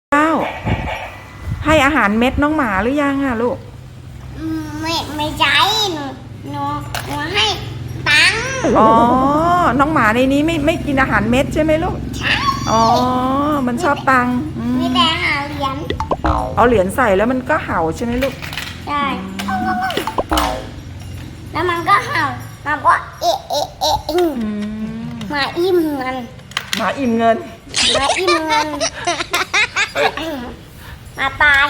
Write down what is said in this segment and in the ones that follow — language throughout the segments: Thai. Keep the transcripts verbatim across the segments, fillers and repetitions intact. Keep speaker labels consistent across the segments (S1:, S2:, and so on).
S1: เจ้าให้อาหารเม็ดน้องหมาหรือยังอะลูก
S2: ไม่ไม่ใช่หนูหนูหนูให้ตังค์
S1: อ๋อน้องหมาในนี้ไม่ไม่กินอาหารเม็ดใช่ไหมลูก
S2: ใช่
S1: อ๋อมันชอบตังค์
S2: มีแต่หาเหรียญ
S1: เอาเหรียญใส่แล้วมันก็เห่าใช่ไหมลูก
S2: ใช่แล้วมันก็เห่ามันก็เอะเอะเอะหมาอิ่มเงิน
S1: หมาอิ่มเงิน
S2: หมาอิ่มเงินมาตาย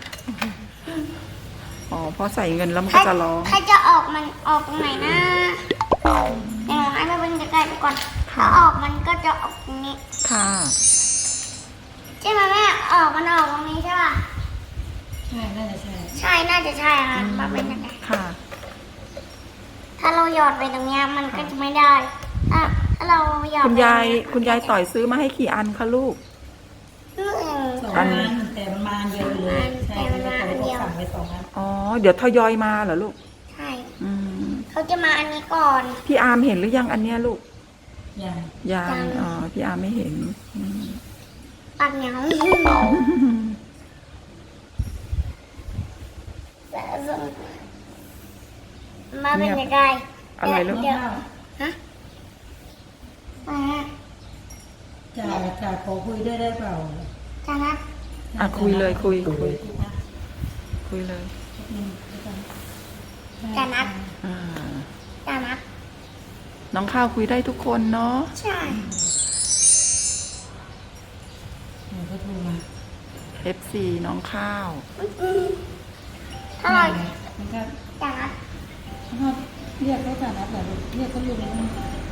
S1: อ๋อพอใส่เงินแล้วมันก็จะร้อง
S2: ถ้าจะออกมันออกตรงไหนนะเดี๋ยวให้แม่เป็นใกล้ๆไปก่อนถ้าออกมันก็จะออกตรงนี้
S1: ค่ะ
S2: ใช่ไหมแม่ออกมันออกตรงนี้ใช่ป่ะ
S3: ใช่น่าจะใช่
S2: ใช่น่าจะใช่ค่ะมาเป็นยังไง
S1: ค่ะ
S2: ถ้าเราหยอดไปตรงนี้มันก็จะไม่ได้ถ้าถ้าเราหยอด
S1: คุณยายคุณยายต่อยซื้อมาให้กี่อันคะลูก
S3: สองอันแต่มันมาเยอะเลยใช่แล้วก็สั่งไปสองอัน
S1: อ๋อเดี๋ยวทยอยมาเหรอลูก
S2: ใช่เขาจะมาอันนี้ก่อน
S1: พี่อาร์มเห็นหรือยังอันเนี้ยลูก
S3: ยัง
S1: ยังอ๋อพี่อาร์มไม่เห็น
S2: ปากเหนียวมาเป็นยังไง
S1: อะไรลูก
S2: ฮะ
S3: จ่าจ่าขอคุยได้ได้เปล่า
S2: จ่านัด
S1: อ่ะคุยเลยคุยคุยคุยเลย
S2: จ่านัด
S1: อ่า
S2: จ่านัด
S1: น้องข้าวคุยได้ทุกคนเนาะ
S2: ใช่
S3: หนูก็โทรมา
S1: เอฟ ซี น้องข้าว
S2: ถ้าเรา
S3: มันก็
S2: จ่านัด
S3: เรียกเขาจ่านัดเหรอเรียกเขาอยู่ในนั้น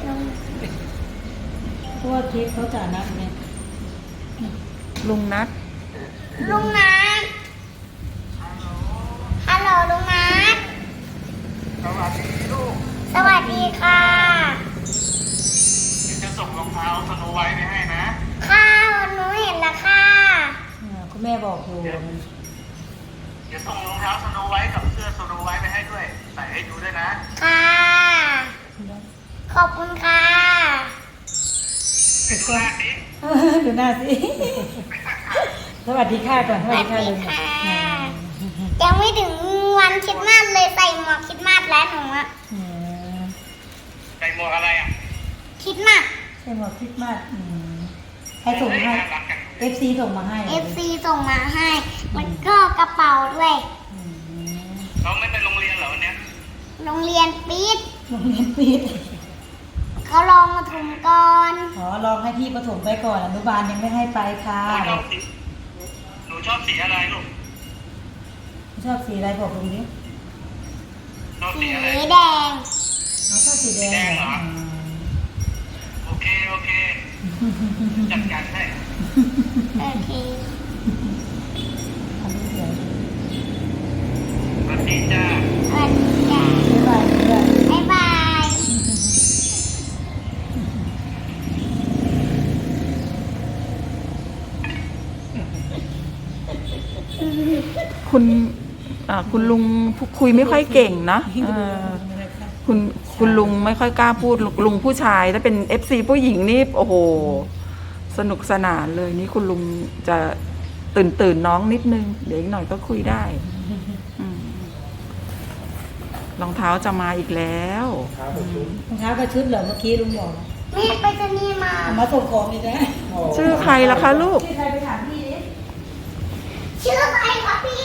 S3: เพราะว่าเค้กเขาจ่านัดเนี่ย
S1: ลุงนัด
S2: ลุงนัดฮัลโหลลุงนัด
S4: สวัสดีลูก
S2: สวัสดีค่ะ
S4: จะส่งรองเท้าสโนไวท์ไปให้นะ
S2: ค่ะหนูเห็นแล้วค่ะ
S3: คุณแม่บอกอยู่
S4: เดี๋ยวส่งรองเท้าสโนไวท์กับเสื้อสโนไวท์ไปให้ด้วยใส่ให้ดูด้วยนะ
S2: ค่ะขอบคุณค่ะ
S4: ดูหน้าสิ
S3: ดูหน้าสิสวัสดีค่ะก่อนสวัสดีค่ะเลย
S2: ยังไม่ถึงวันคริสต์มาสเลยใส่หมวกคริสต์มาสแล้วหนูอะ
S4: ใส่หมวกอะไรอ่ะ
S2: คริสต์มาส
S3: ใส่หมวกคริสต์มาสให้ส่งให้ เอฟ ซี ส่งมาให้
S2: เอฟ ซี ส่งมาให้มันก็กระเป๋าด้วย
S4: เราไม่ไปโรงเรียนเหรอวันนี้
S2: โรงเรียนปิด
S3: โรงเรียนปิด
S2: เขาลองมาถมก่อน
S3: อ๋อลองให้พี่ประถมไปก่อนอนุบาลยังไม่ให้ไปค่ะ
S4: หนูชอบสีอะไรลูก
S3: ชอบสีอะไรบอกตรงนี้
S4: ชอบสีอะไร
S2: แดง
S3: เขาชอบสีแดงเหรอ
S4: โอเคโอเคจัดการให้
S2: โอเค
S4: สวัสดีจ้า
S2: สวัสดีจ้าบ๊ายบาย
S1: คุณคุณลุงคุยไม่ค่อยเก่งนะคุณคุณลุงไม่ค่อยกล้าพูดลุงผู้ชายถ้าเป็น เอฟ ซี ผู้หญิงนี่โอ้โหสนุกสนานเลยนี่คุณลุงจะตื่นตื่นน้องนิดนึงเดี๋ยวอีกหน่อยก็คุยได้รองเท้าจะมาอีกแล้ว
S3: รองเท้ากับชุดเหรอเมื่อกี้ลุงบอก
S2: แม่ไปจะนี่มา
S3: มาส่งของอีกแล้ว
S1: ชื่อใครล่ะคะลูก
S3: ชื่อใครไปถามพี่ดิ
S2: ชื่อใครคะพี่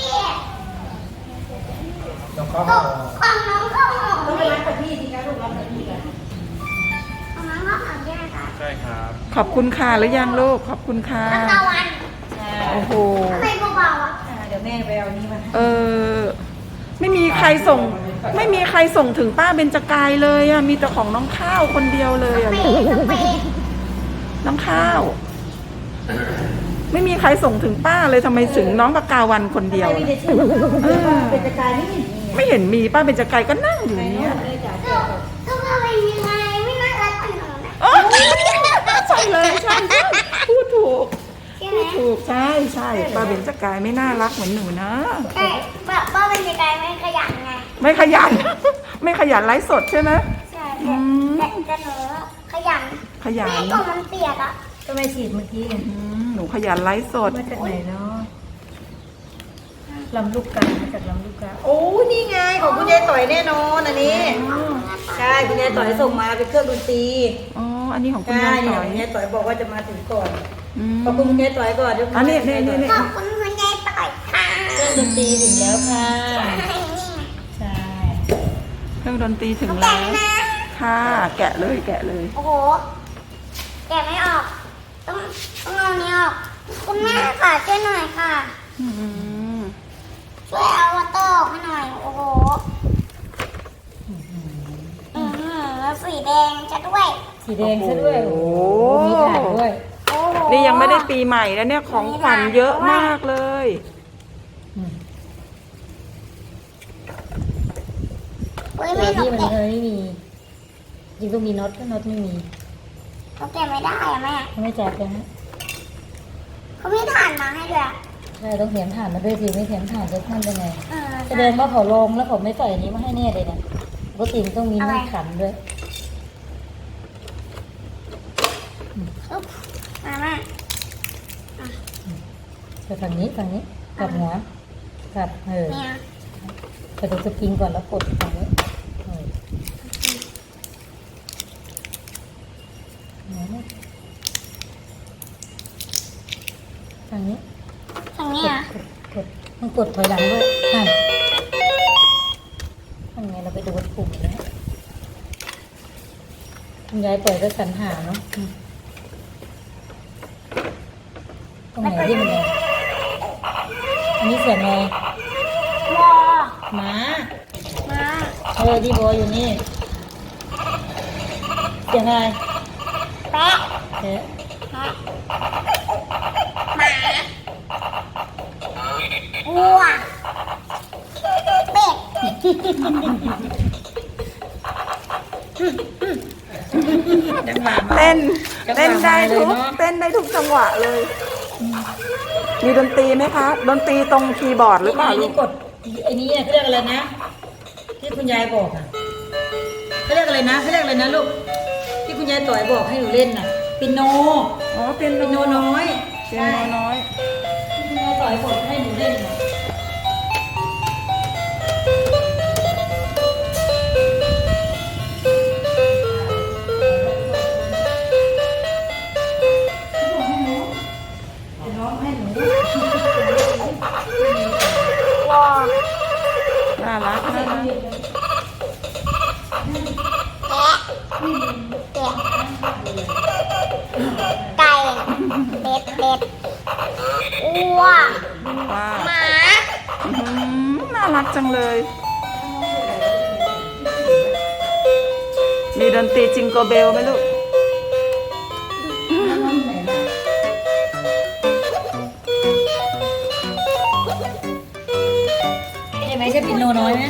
S4: น้องข้าว
S2: ของน้องข้าวหอม
S3: ต้องไปรับกับพี่สิคะลูกรับกับพี่กัน
S2: ของน้องข้าวหอมใช่ไหมคะ
S4: ใช่ครับ
S1: ขอบคุณค่ะหรือยังลูกขอบคุณค่ะ
S2: ตะวัน
S1: โอ้โห
S2: ทำไมเบาๆอ่ะ
S3: เดี๋ยวแม่ไปเอานี้มา
S1: เออไม่มีใครส่งไม่มีใครส่งถึงป้าเบญจกายเลยอ่ะมีแต่ของน้องข้าวคนเดียวเลยอ่ะน้องข้าวไม่มีใครส่งถึงป้าเลยทำไมถึงน้องปากาวันคนเดียว
S3: เป็นจกายไม่เห็น
S1: ไม่เห็นมีป้าเป็นจกายก็นั่งอยู่เนี้ย
S2: ก็ว่าเป็นยังไงไม่น่ารักขนาด
S1: นั้นใช่เลยใช่พูดถูกพูดถูกใช่ใช่ป้าเป็นจกายไม่น่ารักเหมือนหนูนะ
S2: ใช่ป้าเป็นจกายไม่ขยันไง
S1: ไม่ขยันไม่ขยันไลฟ์สดใช่ไหม
S2: ใช่แต่หนูขยัน
S1: ขยัน
S2: แม่ก็มันเปียกอ่ะ
S3: ก็ไม่ฉีดเมื่อกี้
S1: อืมหนูขยันไลฟ์สด
S3: มาจากไหนเนาะลำลูกกามาจากลำลูกกาโอ้นี่ไงของคุณยายต่อยแน่นอนอันนี้ใช่คุณยายต่อยส่งมาเป็นเครื่องดนตรี
S1: อ๋อ อันนี้ของคุณ
S3: ใช่
S1: ยาย
S3: เนี่
S1: ต่
S3: ย
S1: อย
S3: คุณยายต่อยบอกว่าจะมาถึงก่อน
S1: อืม
S3: ขอบคุณคุณยายต่อยก่อนเดี๋ยว
S1: อันนี้นี่นี่นี่
S2: ขอบคุณคุณยายต่อยค่ะ
S3: เครื่องดนตรีถึงแล้วค่ะใช่
S1: เครื่องดนตรีถึง
S2: แกะ
S1: แล้ว
S2: นะ
S1: ค่ะ แกะเลยแกะเลย
S2: โอ้โหแกะไม่ออก ต้องต้องเอานี้ออก คุณแม่ค่ะช่วยหน่อยค่ะ
S1: อืม
S2: ช่วยเอาวอเตอร์ออกให้หน่อย โอ้โหอือหือแล้วสีแดงจะด้วย
S3: สีแดงซะด้วยโอ้โหมีถ่านด้วย
S2: โอ้โห
S1: นี่ยังไม่ได้ปีใหม่แล้วเนี่ยของขวัญเยอะมากเลย
S3: อืม
S2: เฮ้ย
S3: ตั
S2: ไม่
S3: ว
S2: หนู
S3: ที่มัน
S2: แกะ
S3: ไม่มีจริงต้องมีน็อตก็น็อตไม่มี
S2: หนูแกะไม่ได้อะแม่
S3: เขาไม่แจกเลยฮะ
S2: เขาไม่ถ่านมาให้ด้วยอะ
S3: ใช่ต้องเถียมถ่านมาด้วยสิไม่เถียมถ่านจะท่านเป็นไง
S2: เออ
S3: แสดงว่าเขาลงแล้วเขาไม่ใส่อันนี้มาให้แน่เลยเนี่ยปกติมันต้องมีมีดขันด้วย
S2: อุ๊บมาแม่
S3: ไปฝั่งนี้ฝั่งนี้กลับหัวกลับเออ
S2: เนี่ย
S3: ไปดูสปริงก่อนแล้วกดฝั่งนี้เออหัวนี่ฝั่งนี้
S2: ทางนี้
S3: กด
S2: อ่ะ
S3: กดกดมันกดถอยหลังด้วยนั่นทำไงเราไปดูปุ่มแล้วคุณยายปล่อยก็สรรหาเนาะอืมตรงไหนที่มันแดงอันนี้เสียงไง
S2: วอ
S3: หมา
S2: มา
S3: เออที่บออยู่นี่เสียงอะไร
S2: แปะ
S3: เอ๊ะ
S2: แปะหมาวัวเป็ด
S3: จังหวะ
S1: เต้น
S3: จังหวะ
S1: เต้นได้ทุก
S3: มาเลยเนอะ
S1: เต้นได้ทุกจังหวะเลย มีดนตรีไหมคะ ดนตรีตรงคีย์บอร์ดหรือเปล่า
S3: ไอ้
S1: ลู
S3: นี่
S1: ก
S3: กดไอ้นี้เขาเรียกอะไรนะ ที่คุณยายบอกอ่ะเขาเรียกอะไรนะเขาเรียกอะไรนะลูกที่คุณยายต่อยบอกให้หนูเล่นน่ะปิโน
S1: อ๋อเป็น
S3: ปิโนน้อย
S1: เป็นโนน้อย
S3: ที่คุณยายต่อยบอกให้หนูเล่นน่ะร้องให้หนู
S2: วอ
S1: น่ารักน่ารัก
S2: แปะเป็ดไก่เป็ดเป็ดวัว
S1: ว้า
S2: หมา
S1: อื้อหือน่ารักจังเลย มีดนตรีจิงโกเบลไหมลูก
S3: ใช่ไหมใช่ปิโนน้อยไหม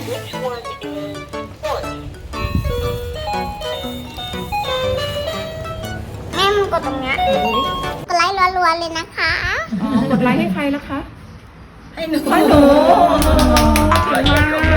S2: แม่มึงกดตรงเนี้ยกดไลค์รัวๆเลยนะคะ
S1: อ๋อ กดไลค์ให้ใครล่ะคะ
S3: ให้หนู
S1: ให้หนูเก่งมาก